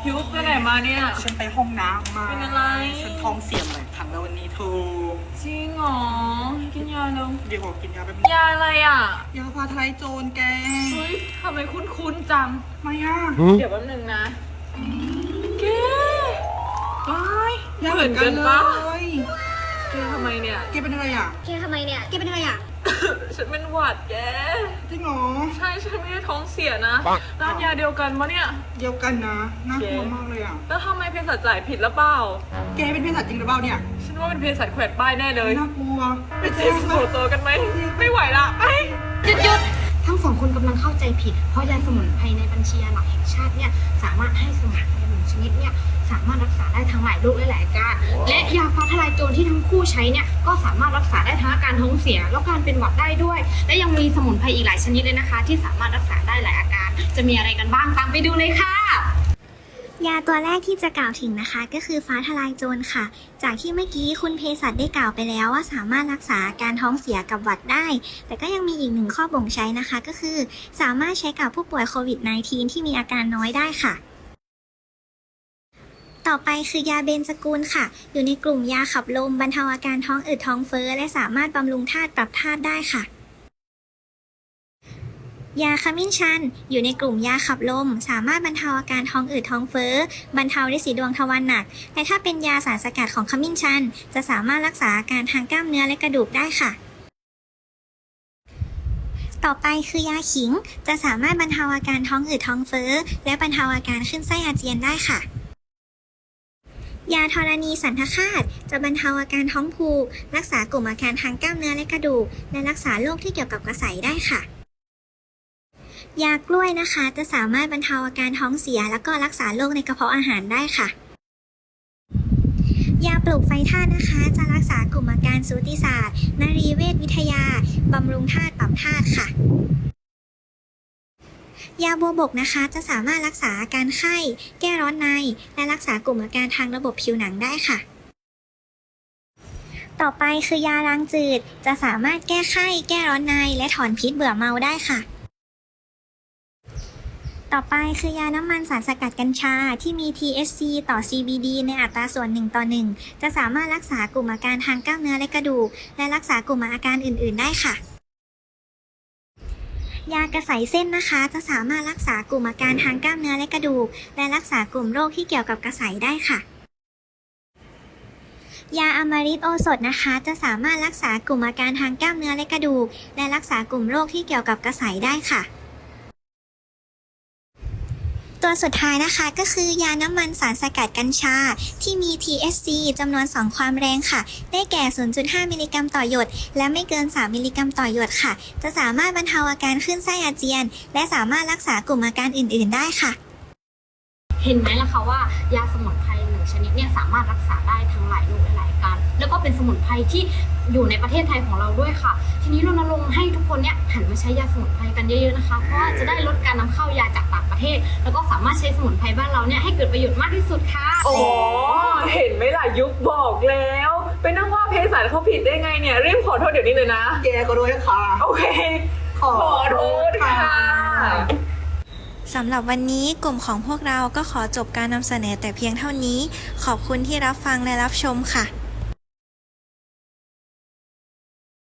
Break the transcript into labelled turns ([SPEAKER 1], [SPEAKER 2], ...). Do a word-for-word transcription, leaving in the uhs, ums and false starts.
[SPEAKER 1] พิวไปไหนมาเนี่ย
[SPEAKER 2] ฉันไปห้องน้ำมา
[SPEAKER 1] เป็นอะไร
[SPEAKER 2] ฉันท้องเสียมาหลายครั้งแล้ววันนี้เธอ
[SPEAKER 1] จริงเหรอกินยาแล้ว
[SPEAKER 2] เดี๋ยวขอกินยาแป๊บนึง
[SPEAKER 1] ยาอะไรอ่ะ
[SPEAKER 2] ยาฟ้าทลายโจรแก
[SPEAKER 1] เฮ้ยทำไมคุ้นๆจัง
[SPEAKER 2] ไม่อ่ะ
[SPEAKER 1] เดี๋ยวแป๊บนึงนะแก
[SPEAKER 2] ว้ายยา
[SPEAKER 1] เหมือนกันปะแกทำไมเนี่ย
[SPEAKER 2] แกเป็นอะไรอ่ะ
[SPEAKER 3] แกทำไมเนี่ยแกเป็นอะไรอ่ะ
[SPEAKER 1] ฉันเป็นหวัดแก
[SPEAKER 2] จริงเหรอ
[SPEAKER 1] ใช่ฉันไม่ได้ท้องเสียนะร้านยาเดียวกันปะเนี่ย
[SPEAKER 2] เดียวกันนะน่ากลัวมากเลยอ่ะ
[SPEAKER 1] แล้วทำไมเภสัชจ่ายผิดหรือเปล่า
[SPEAKER 2] แกเป็นเภสัชจริงหรือเปล่าเนี่ย
[SPEAKER 1] ฉันว่าเป็นเภสัชแขวนป้ายแน่เลย
[SPEAKER 2] น่ากลัว
[SPEAKER 1] ไปเจ็บโผล่ตัวกันไหมไม่ไหวละไป
[SPEAKER 3] หยุดหยุดทั้งสองคนกำลังเข้าใจผิดเพราะยาสมุนไพรในบัญชียาหลักแห่งชาติเนี่ยสามารถให้สมุนไพรหนึ่งชนิดเนี่ยสามารถรักษาได้ทั้งหลายโรคและหลายอาการและยาฟ้าทลายโจรที่ทั้งคู่ใช้เนี่ยก็สามารถรักษาได้ทั้งอาการท้องเสียแล้วการเป็นหวัดได้ด้วยและยังมีสมุนไพรอีกหลายชนิดเลยนะคะที่สามารถรักษาได้หลายอาการจะมีอะไรกันบ้างตามไปดูเลยค่ะ
[SPEAKER 4] ยาตัวแรกที่จะกล่าวถึงนะคะก็คือฟ้าทลายโจรค่ะจากที่เมื่อกี้คุณเภสัชได้กล่าวไปแล้วว่าสามารถรักษาการท้องเสียกับหวัดได้แต่ก็ยังมีอีกหนึ่งข้อบ่งใช้นะคะก็คือสามารถใช้กับผู้ป่วยโควิด สิบเก้า ที่มีอาการน้อยได้ค่ะต่อไปคือยาเบนซากูลค่ะอยู่ในกลุ่มยาขับลมบรรเทาอาการท้องอืดท้องเฟ้อและสามารถบำรุงธาตุปรับธาตุได้ค่ะยาขมิ้นชันอยู่ในกลุ่มยาขับลมสามารถบรรเทาอาการท้องอืดท้องเฟ้อบรรเทาฤทธิ์สีดวงทวารหนักและถ้าเป็นยาสารสกัดของขมิ้นชันจะสามารถรักษาอาการทางกล้ามเนื้อและกระดูกได้ค่ะต่อไปคือยาขิงจะสามารถบรรเทาอาการท้องอืดท้องเฟ้อและบรรเทาอาการขึ้นไส้อาเจียนได้ค่ะยาธรณีสันทคาตจะบรรเทาอาการท้องผูกรักษากลุ่มอาการทางกล้ามเนื้อและกระดูกและรักษาโรคที่เกี่ยวกับกระใสได้ค่ะยากล้วยนะคะจะสามารถบรรเทาอาการท้องเสียแล้วก็รักษาโรคในกระเพาะอาหารได้ค่ะยาปลูกไฟธาตุนะคะจะรักษากลุ่มอาการสูติศาสตร์นรีเวชวิทยาบำรุงธาตุปรับธาตุค่ะยาบัวบกนะคะจะสามารถรักษาอาการไข้แก้ร้อนในและรักษากลุ่มอาการทางระบบผิวหนังได้ค่ะต่อไปคือยาล้างจืดจะสามารถแก้ไข้แก้ร้อนในและถอนพิษเบื่อเมาได้ค่ะต่อไปคือยาน้ำมันสารสกัดกัญชาที่มี ที เอช ซี ต่อ ซี บี ดี ในอัตราส่วนหนึ่งต่อหนึ่งจะสามารถรักษากลุ่มอาการทางกล้ามเนื้อและกระดูกและรักษากลุ่มอาการอื่นๆได้ค่ะยากระใสเส้นนะคะจะสามารถรักษากลุ่มอาการทางกล้ามเนื้อและกระดูกและรักษากลุ่มโรคที่เกี่ยวกับกระใสได้ค่ะยาอมฤตโอสถนะคะจะสามารถรักษากลุ่มอาการทางกล้ามเนื้อและกระดูกและรักษากลุ่มโรคที่เกี่ยวกับกระใสได้ค่ะตัวสุดท้ายนะคะก็คือยาน้ำมันสารสกัดกัญชาที่มี ที เอช ซี จำนวนสองความแรงค่ะได้แก่ ศูนย์จุดห้า มิลลิกรัมต่อหยดและไม่เกินสามมิลลิกรัมต่อหยดค่ะจะสามารถบรรเทาอาการขึ้นไส้อาเจียนและสามารถรักษากลุ่มอาการอื่นๆได้ค่ะ
[SPEAKER 3] เห็นไหมล่ะคะว่ายาสมุนไพรหนึ่งชนิดเนี่ยสามารถรักษาได้ทั้งหลายโรคและหลายอาการแล้วก็เป็นสมุนไพรที่อยู่ในประเทศไทยของเราด้วยค่ะทีนี้รณรงค์ให้ทุกคนเนี่ยหันมาใช้ยาสมุนไพรกันเยอะๆนะคะเพราะว่าจะได้ลดการนำเข้ายาจากต่างประเทศแล้วก็สามารถใช้สมุนไพรบ้านเราเนี่ยให้เกิดประโยชน์มากที่สุดค่ะ
[SPEAKER 1] อ๋อเห็นไหมล่ะยุคบอกแล้วไปนั่งว่าเภสัชเขาผิดได้ไงเนี่ยรีบขอโทษเดี๋ยวนี้เลยนะ
[SPEAKER 2] แกก็ด้วยค่ะ
[SPEAKER 1] โอเคขอโทษค่ะ
[SPEAKER 4] สำหรับวันนี้กลุ่มของพวกเราก็ขอจบการนำเสนอแต่เพียงเท่านี้ขอบคุณที่รับฟังและรับชมค่ะ